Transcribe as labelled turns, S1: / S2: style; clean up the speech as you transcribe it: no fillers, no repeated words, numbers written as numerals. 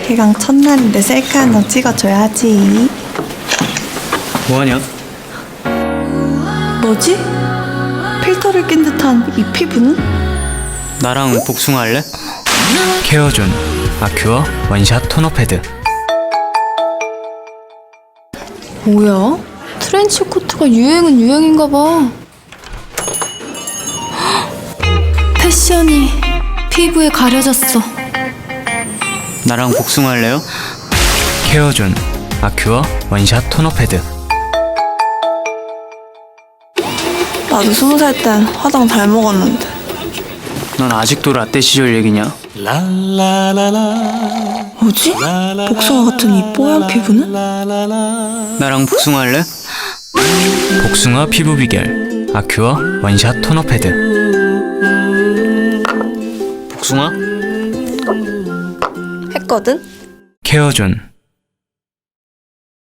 S1: 개강 첫날인데 셀카 한 장 찍어줘야지.
S2: 뭐하냐?
S1: 뭐지? 필터를 낀 듯한 이 피부는?
S2: 나랑 복숭아 할래? 케어존 아큐어 원샷 토너 패드.
S3: 뭐야? 트렌치 코트가 유행은 유행인가 봐. 패션이 피부에 가려졌어.
S2: 나랑 복숭아 할래요? 케어존 아큐어 원샷 토너 패드.
S1: 나도 20살 땐 화장 잘 먹었는데.
S2: 넌 아직도 라떼 시절 얘기냐?
S1: 뭐지? 복숭아 같은 이 뽀얀 피부는?
S2: 나랑 복숭아 할래? 복숭아 피부 비결 아큐어 원샷 토너 패드. 복숭아?
S1: 했거든?
S2: 케어존